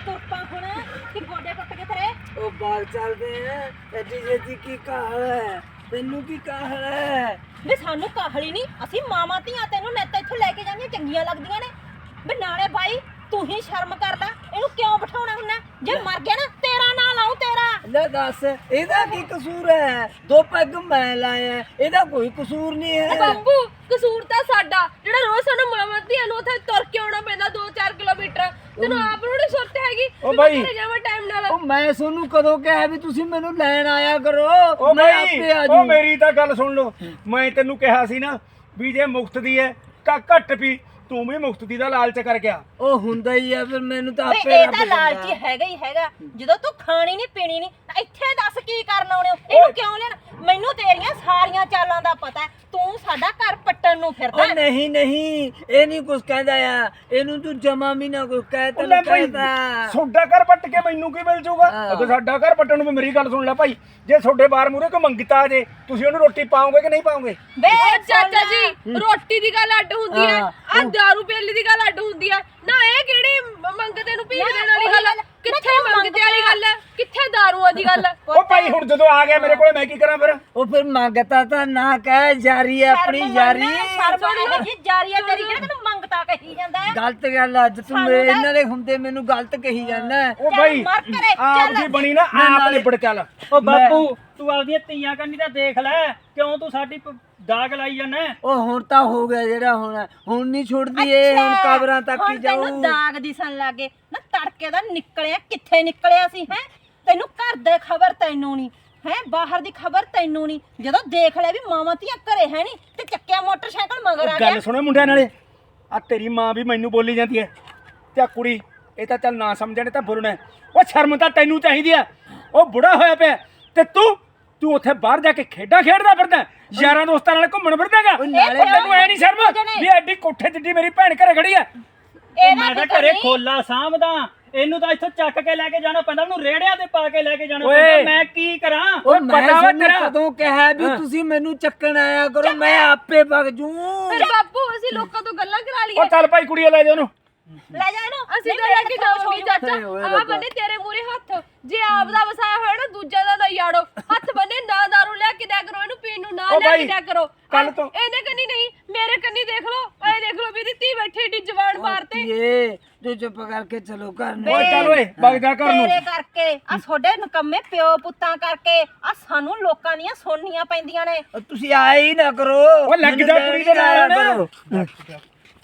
ਤੁਰਪਾ ਹੁਣ ਕਿ ਗੋਡੇ ਟੁੱਟ ਗਏ ਤੇਰੇ? ਉਹ ਬਾਹਰ ਚੱਲਦੇ ਆ ਐਡੀ ਜੇਤੀ ਕੀ ਕਾਹਲ ਹੈ ਤੈਨੂੰ ਕੀ ਕਾਹਲ ਹੈ ਵੀ ਸਾਨੂੰ ਕਾਹਲੀ ਨਹੀਂ, ਅਸੀਂ ਮਾਵਾਂ ਧੀਆਂ ਤੈਨੂੰ ਨੇਤਾ ਇੱਥੋਂ ਲੈ ਕੇ ਜਾਂਦੀਆਂ ਚੰਗੀਆਂ ਲੱਗਦੀਆਂ ਨੇ। ਵੀ ਨਾਲੇ ਬਾਈ ਤੂੰ ਹੀ ਸ਼ਰਮ ਕਰ ਲੈ, ਇਹਨੂੰ ਕਿਉਂ ਬਿਠਾਉਣਾ ਹੁੰਦਾ? ਜੇ ਮਰ ਗਿਆ ਨਾ ਤੇਰਾ ਨਾਂ ਲਾਉ ਤੇਰਾ। ਲੈ ਦੱਸ ਇਹਦਾ ਕੀ ਕਸੂਰ ਹੈ? ਦੋ ਪੈਗ ਮੈਂ ਲਾਇਆ, ਇਹਦਾ ਕੋਈ ਕਸੂਰ ਨਹੀਂ ਹੈ। ਬਾਪੂ ਕਸੂਰ ਤਾਂ ਸਾਡਾ, ਜਿਹੜਾ ਰੋਜ਼ ਸਾਨੂੰ ਮਾਵਾਂ ਧੀਆਂ ਨੂੰ ਉੱਥੇ ਤੁਰ ਕੇ ਆਉਣਾ ਪੈਂਦਾ 2-4 ਕਿਲੋਮੀਟਰ। ਤੈਨੂੰ ਆਪ ਨੂੰ ਨੀ ਸੁਰਤ ਹੈਗੀ ਉਹ ਬਾਈ ਜਾਵਾਂ ਟਾਈਮ ਨਾਲ। ਉਹ ਮੈਂ ਤੁਹਾਨੂੰ ਕਦੋਂ ਕਿਹਾ ਵੀ ਤੁਸੀਂ ਮੈਨੂੰ ਲੈਣ ਆਇਆ ਕਰੋ? ਉਹ ਮੈਂ ਬਾਈ ਆਪੇ ਆ ਉਹ ਜੂ। ਮੇਰੀ ਤਾਂ ਗੱਲ ਸੁਣ ਲਓ, ਮੈਂ ਤੈਨੂੰ ਕਿਹਾ ਸੀ ਨਾ ਵੀ ਜੇ ਮੁਫਤ ਦੀ ਹੈ ਤਾਂ ਘੱਟ ਪੀ, ਤੂੰ ਵੀ ਮੁਫਤ ਦੀ ਦਾ ਲਾਲਚ ਕਰ ਗਿਆ। ਉਹ ਹੁੰਦਾ ਹੀ ਆ, ਫਿਰ ਮੈਨੂੰ ਤਾਂ ਵੀ ਆਪੇ ਇਹ ਰੱਬ ਤਾਂ ਦਿੰਦਾ। ਲਾਲਚੀ ਹੈਗਾ ਹੀ ਹੈਗਾ। ਜਦੋਂ ਤੂੰ ਖਾਣੀ ਨਹੀਂ ਪੀਣੀ ਨਹੀਂ ਤਾਂ ਇੱਥੇ ਦੱਸ ਕੀ ਕਰਨ ਆਉਣੇ ਹੋ? ਇਹਨੂੰ ਕਿਉਂ ਲੈਣ? ਮੈਨੂੰ ਤੇਰੀਆਂ ਸਾਰੀਆਂ ਚਾਲਾਂ ਦਾ ਪਤਾ ਹੈ, ਤੂੰ ਸਾਡਾ ਘਰ ਪੱਟਣ ਨੂੰ ਫਿਰਦਾ। ਉਹ ਨਹੀਂ ਨਹੀਂ ਇਹ ਨਹੀਂ ਕੁਝ ਕਹਿੰਦਾ ਆ, ਇਹਨੂੰ ਤੂੰ ਜਮਾ ਵੀ ਨਾ ਕੁਝ ਕਹਿ ਲੈ ਤੈਨੂੰ ਭਾਈ ਕਹਿੰਦਾ। ਤੁਹਾਡਾ ਘਰ ਪੱਟ ਕੇ ਮੈਨੂੰ ਕੀ ਮਿਲ ਜਾਊਗਾ? ਹਾਂ। ਅਗਰ ਸਾਡਾ ਘਰ ਪੱਟਣ ਨੂੰ ਵੀ ਮੇਰੀ ਗੱਲ ਸੁਣ ਲੈ ਭਾਈ, ਜੇ ਤੁਹਾਡੇ ਬਾਹਰ ਮੂਰੇ ਕੋਈ ਮੰਗਤਾ ਆ ਜੇ, ਤੁਸੀਂ ਉਹਨੂੰ ਰੋਟੀ ਪਾਓਗੇ ਕਿ ਨਹੀਂ ਪਾਓਗੇ? ਬੇ ਚਾਚਾ ਜੀ ਰੋਟੀ ਦੀ ਗੱਲ ਅੱਡ ਹੁੰਦੀ ਹੈ, ਹਾਂ। ਆ ਦਾਰੂ ਪੀਣ ਦੀ ਗੱਲ ਅੱਡ ਹੁੰਦੀ ਹੈ ਨਾ। ਇਹ ਕਿਹੜੀ ਮੰਗਤੇ ਨੂੰ ਭੀਖ ਦੇਣ ਵਾਲੀ ਗੱਲ ਹੈ? ਕਿੱਥੇ ਮੰਗਤੇ ਵਾਲੀ ਗੱਲ ਹੈ, ਕਿੱਥੇ ਦਾਰੂਆਂ ਦੀ ਗੱਲ ਹੈ? ਉਹ ਭਾਈ ਹੁਣ ਜਦੋਂ ਆ ਗਿਆ ਮੇਰੇ ਕੋਲੇ ਮੈਂ ਕੀ ਕਰਾਂ ਫਿਰ? ਉਹ ਫਿਰ ਮੰਗਤਾ ਤਾਂ ਨਾ ਕਹਿ, ਜਾਰੀ ਹੈ ਆਪਣੀ ਯਾਰੀ। ਸ਼ਰਮ ਜੀ ਜਾਰੀ ਹੈ ਤੇਰੀ, ਕਿਹੜਾ ਤੈਨੂੰ ਮੰਗਤਾ ਕਹੀ ਜਾਂਦਾ ਹੈ? ਗਲਤ ਗੱਲ ਆ, ਅੱਜ ਤੂੰ ਮੇਰੇ ਇਹਨਾਂ ਦੇ ਹੁੰਦੇ ਮੈਨੂੰ ਗਲਤ ਕਹੀ ਜਾਂਦਾ। ਉਹ ਚੱਲ ਭਾਈ ਮਰ ਘਰੇ, ਆਪ ਚੱਲ। ਦੀ ਬਣੀ ਨਾ ਮੈਂ ਆਪ ਨਾਲੇ- ਨਿਬੜ ਚੱਲ। ਉਹ ਬਾਪੂ ਤੂੰ ਆਪਦੀਆਂ ਧੀਆਂ ਕੰਨੀ ਤਾਂ ਦੇਖ ਲੈ, ਕਿਉਂ ਤੂੰ ਸਾਡੀ ਦਾਗ ਲਾਈ ਜਾਂਦਾ? ਉਹ ਹੁਣ ਤਾਂ ਹੋ ਗਿਆ ਜਿਹੜਾ ਹੋਣਾ, ਹੁਣ ਨਹੀਂ ਛੁੱਟਦੀ ਇਹ, ਹੁਣ ਅੱਛਾ, ਕਬਰਾਂ ਤੱਕ ਹੀ ਹੁਣ ਜਾਊ। ਤੈਨੂੰ ਦਾਗ ਦਿਸਣ ਲੱਗੇ ਨਾ, ਤੜਕੇ ਦਾ ਨਿਕਲਿਆ ਕਿੱਥੇ ਨਿਕਲਿਆ ਸੀ ਹੈ? ਤੈਨੂੰ ਘਰ ਦੇ ਖਬਰ ਤੈਨੂੰ ਨਹੀਂ ਹੈ, ਬਾਹਰ ਦੀ ਖਬਰ ਤੈਨੂੰ ਨਹੀਂ। ਜਦੋਂ ਦੇਖ ਲਿਆ ਵੀ ਮਾਵਾਂ ਧੀਆਂ ਘਰੇ ਹੈ ਨਹੀਂ ਤੇ ਚੱਕਿਆ ਮੋਟਰਸਾਈਕਲ ਮਗਰ ਆ ਗਿਆ। ਗੱਲ ਸੁਣੋ ਮੁੰਡਿਆਂ ਨਾਲੇ, ਆ ਤੇਰੀ ਮਾਂ ਵੀ ਮੈਨੂੰ ਬੋਲੀ ਜਾਂਦੀ ਹੈ ਤੇ ਆ ਕੁੜੀ ਇਹ ਤਾਂ ਚੱਲ ਨਾ ਸਮਝਣੇ ਤਾਂ ਬੁਰਨਾ ਹੈ। ਉਹ ਸ਼ਰਮ ਤਾਂ ਤੈਨੂੰ ਚਾਹੀਦੀ ਆ, ਉਹ ਬੁੜਾ ਹੋਇਆ ਪਿਆ ਤੇ ਤੂੰ ਉੱਥੇ ਬਾਹਰ ਜਾ ਕੇ ਖੇਡਾਂ ਖੇਡਦਾ ਫਿਰਦਾ, ਯਾਰਾਂ ਦੋਸਤਾਂ ਨਾਲ ਘੁੰਮਣ ਫਿਰਦਾਗਾ। ਨਾਲੇ ਤੈਨੂੰ ਐ ਨਹੀਂ ਸ਼ਰਮ ਵੀ ਐਡੀ ਕੋਠੇ ਜਿੱਡੀ ਮੇਰੀ ਭੈਣ ਘਰੇ ਖੜੀ ਆ? ਮੈਂ ਤਾਂ ਘਰੇ ਖੋਲਾ ਸਾਂਭਦਾ, ਇਹਨੂੰ ਤਾਂ ਇੱਥੋਂ ਚੱਕ ਕੇ ਲੈ ਕੇ ਜਾਣਾ ਪੈਂਦਾ, ਉਹਨੂੰ ਰੇੜਿਆਂ ਤੇ ਪਾ ਕੇ ਲੈ ਕੇ ਜਾਣਾ ਓਏ। ਪੈਂਦਾ। ਮੈਂ ਕੀ ਕਰਾਂ? ਉਹ ਪਤਾ ਵਾ ਮੈਂ ਤੇਰਾ? ਕਦੋਂ ਕਿਹਾ ਵੀ ਤੁਸੀਂ ਮੈਨੂੰ ਚੱਕਣ ਆਇਆ ਕਰੋ, ਮੈਂ ਆਪੇ ਵਗ ਜੂ। ਫਿਰ ਬਾਪੂ ਅਸੀਂ ਲੋਕਾਂ ਤੋਂ ਗੱਲਾਂ ਕਰਾ ਉਹ ਲਈਏ। ਚੱਲ ਭਾਈ ਕੁੜੀਆਂ ਲੈ ਜਾ ਉਹਨੂੰ। ਲੈ ਜਾ ਇਹਨੂੰ। ਅਸੀਂ ਨਹੀਂ, ਤਾਂ ਲੈ ਕੇ ਮੇਰੇ ਹੱਥੋਂ ਜਾਵਾਂਗੇ ਚਾਚਾ। ਓਏ ਆ ਰੱਬਾ। ਬੰਨੇ ਤੇਰੇ ਮੂਰੇ ਹੱਥ, ਜੇ ਆਪ ਦਾ ਵਸਾਇਆ ਹੋਇਆ ਨਾ ਦੂਜਾ ਦਾ ਨਾ ਯਾੜੋ। ਹੱਥ ਬੰਨੇ ਨਾ ਦਾਰੂ ਲੈ ਕੇ ਦਿਆ ਕਰੋ, ਇਹਨੂੰ ਪੀਣ ਨੂੰ ਨਾ ਓ ਲੈ ਬਾਈ, ਕੇ ਦਿਆ ਕਰੋ। ਕੱਲ੍ਹ ਤੋਂ- ਇਹਦੇ ਕੰਨੀ ਨਹੀਂ, ਮੇਰੇ ਕੰਨੀ ਦੇਖ ਲਓ। ਐ ਦੇਖ ਲਓ ਵੀ ਇਹਦੀ ਧੀ ਬੈਠੀ ਏਡੀ ਜਵਾਨ ਮਾਰਤੇ। ਇਹ ਤੂੰ ਚੁੱਪ ਕਰਕੇ ਚਲੋ ਘਰ ਨੂੰ। ਓਏ ਚੱਲ ਓਏ ਵਗ ਜਾ ਘਰ ਨੂੰ। ਤੇਰੇ ਕਰਕੇ ਆ ਤੁਹਾਡੇ ਨਕੰਮੇ ਪਿਓ ਪੁੱਤਾਂ ਕਰਕੇ ਆ ਸਾਨੂੰ ਲੋਕਾਂ ਦੀਆਂ ਸੁਣਨੀਆਂ ਪੈਂਦੀਆਂ ਨੇ। ਉਹ ਤੁਸੀਂ ਆਏ ਹੀ ਨਾ ਕਰੋ। ਓ ਲੱਗ ਜਾ ਕੁੜੀ ਦੇ ਨਾਲ ਆਇਆ ਹੁਣ। ਕਰੋ।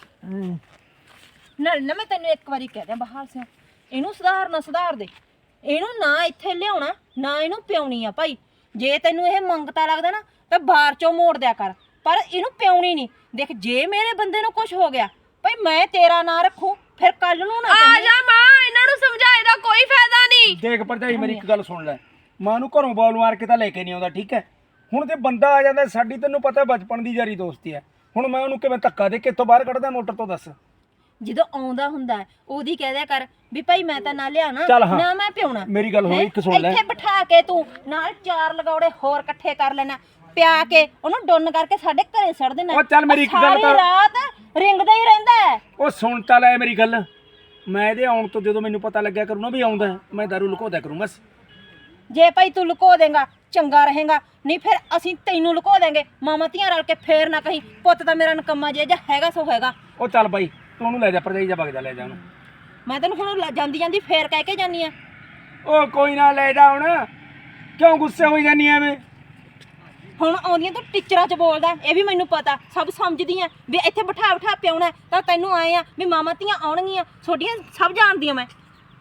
ਨਾ ਮੈਂ ਤੈਨੂੰ ਇੱਕ ਵਾਰੀ ਕਹਿ ਦਿਆਂ ਬਹਾਲ ਸਿੰਘ, ਇਹਨੂੰ ਸੁਧਾਰ ਦੇ। ਇਹਨੂੰ ਨਾ ਇੱਥੇ ਲਿਆਉਣਾ ਨਾ ਇਹਨੂੰ ਪਿਉਣੀ ਆ ਭਾਈ। ਜੇ ਤੈਨੂੰ ਇਹ ਮੰਗਤਾ ਲੱਗਦਾ ਨਾ ਤਾਂ ਬਾਹਰ ਚੋਂ ਮੋੜ ਦਿਆ ਕਰ, ਪਰ ਇਹਨੂੰ ਪਿਉਣੀ ਨਹੀਂ। ਦੇਖ ਜੇ ਮੇਰੇ ਬੰਦੇ ਨੂੰ ਕੁਝ ਹੋ ਗਿਆ ਭਾਈ ਮੈਂ ਤੇਰਾ ਨਾਂ ਰੱਖੂ, ਫਿਰ ਕੱਲ ਨੂੰ ਨਾ ਆ ਕਹੀਂ। ਜਾ ਮਾਂ, ਇਹਨਾਂ ਨੂੰ ਸਮਝਾਏ ਦਾ ਕੋਈ ਫਾਇਦਾ ਨਹੀਂ। ਦੇਖ ਭਰਜਾਈ ਮੇਰੀ ਇੱਕ ਗੱਲ ਸੁਣ ਲੈ, ਮਾਂ ਨੂੰ ਘਰੋਂ ਬਾਲ ਮਾਰ ਕੇ ਤਾਂ ਲੈ ਕੇ ਨਹੀਂ ਆਉਂਦਾ, ਠੀਕ ਹੈ? ਹੁਣ ਤੇ ਬੰਦਾ ਆ ਜਾਂਦਾ, ਸਾਡੀ ਤੈਨੂੰ ਪਤਾ ਬਚਪਨ ਦੀ ਯਾਰੀ ਦੋਸਤੀ ਹੈ, ਹੁਣ ਮੈਂ ਉਹਨੂੰ ਕਿਵੇਂ ਧੱਕਾ ਦੇ ਕੇ ਇੱਥੋਂ ਬਾਹਰ ਕੱਢਦਾ ਮੋਟਰ ਤੋਂ? ਦੱਸ। ਜਦੋਂ ਆਉਂਦਾ ਹੁੰਦਾ ਹੈ, ਉਹਦੀ ਕਹਿ ਦਿਆ ਕਰ ਵੀ ਭਾਈ ਮੈਂ ਤਾਂ ਨਾ ਲਿਆਣਾ ਚੱਲ ਹਾਂ। ਨਾ ਮੈਂ ਪਿਉਣਾ। ਮੇਰੀ ਗੱਲ ਹੋਈ, ਇੱਕ ਸੁਣ ਲੈ। ਇੱਥੇ ਬਿਠਾ ਕੇ ਤੂੰ ਨਾਲ 4 ਲਗੌੜੇ ਹੋਰ ਇਕੱਠੇ ਕਰ ਲੈਣਾ, ਪਿਆ ਕੇ ਉਹਨੂੰ ਡੁੰਨ ਕਰਕੇ ਸਾਡੇ ਘਰੇ ਛੱਡ ਦੇਣਾ। ਉਹ ਚੱਲ ਮੇਰੀ ਇੱਕ ਗੱਲ ਸਾਰੀ ਕਰ। ਰਾਤ ਰਿੰਗਦਾ ਹੀ ਰਹਿੰਦਾ ਹੈ। ਉਹ ਸੁਣ ਤਾਂ ਲੈ ਮੇਰੀ ਗੱਲ, ਮੈਂ ਇਹਦੇ ਆਉਣ ਤੋਂ ਜਦੋਂ ਮੈਨੂੰ ਪਤਾ ਲੱਗਿਆ ਕਰੂ ਨਾ ਵੀ ਆਉਂਦਾ, ਮੈਂ ਦਾਰੂ ਲੁਕੋਦਾ ਕਰੂੰ ਬਸ। ਜੇ ਭਾਈ ਤੂੰ ਲੁਕੋ ਦੇਂਗਾ ਚੰਗਾ ਰਹੇਗਾ, ਨਹੀਂ ਫਿਰ ਅਸੀਂ ਤੈਨੂੰ ਲੁਕੋ ਦੇਂਗੇ। ਮਾਮਾ ਧੀਆਂ ਰਲ ਕੇ ਫੇਰ ਨਾ ਕਹੀਂ ਪੁੱਤ ਤਾਂ ਮੇਰਾ ਨਕੰਮਾ ਜੇ ਹੈਗਾ ਸੋ ਹੈਗਾ। ਉਹ ਚੱਲ ਬਾਈ ਤੂੰ ਉਹਨੂੰ ਲੈ ਜਾ, ਭਰਜਾਈ ਜਾ ਵਗ ਜਾ, ਲੈ ਜਾ ਉਹਨੂੰ। ਮੈਂ ਤੈਨੂੰ ਹੁਣ ਜਾਂਦੀ ਫੇਰ ਕਹਿ ਕੇ ਜਾਨੀ ਆ। ਉਹ ਕੋਈ ਨਾ ਲੈ ਜਾ ਹੁਣ, ਕਿਉਂ ਗੁੱਸੇ ਹੋਈ ਜਾਨੀ ਐਵੇਂ? ਹੁਣ ਆਉਂਦੀਆਂ ਤੂੰ ਟੀਚਰਾਂ 'ਚ ਬੋਲਦਾ, ਇਹ ਵੀ ਮੈਨੂੰ ਪਤਾ, ਸਭ ਸਮਝਦੀ ਆ ਵੀ ਇੱਥੇ ਬਿਠਾ ਪਿਆਉਣਾ ਤਾਂ ਤੈਨੂੰ ਆਏ ਆ ਵੀ ਮਾਮਾ ਧੀਆਂ ਆਉਣਗੀਆਂ, ਛੋਟੀਆਂ ਸਭ ਜਾਣਦੀਆਂ ਮੈਂ।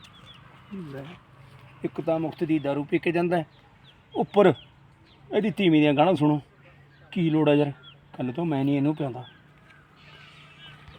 ਇੱਕ ਤਾਂ ਮੁਫਤ ਦੀ ਦਾਰੂ ਪੀ ਕੇ ਜਾਂਦਾ, ਉੱਪਰ ਇਹਦੀ ਤੀਵੀਂ ਦੀਆਂ ਗਾਣਾ ਸੁਣੋ। ਕੀ ਲੋੜ ਆ ਯਾਰ, ਕੱਲ ਤੋਂ ਮੈਂ ਨਹੀਂ ਇਹਨੂੰ ਪਿਆਉਂਦਾ।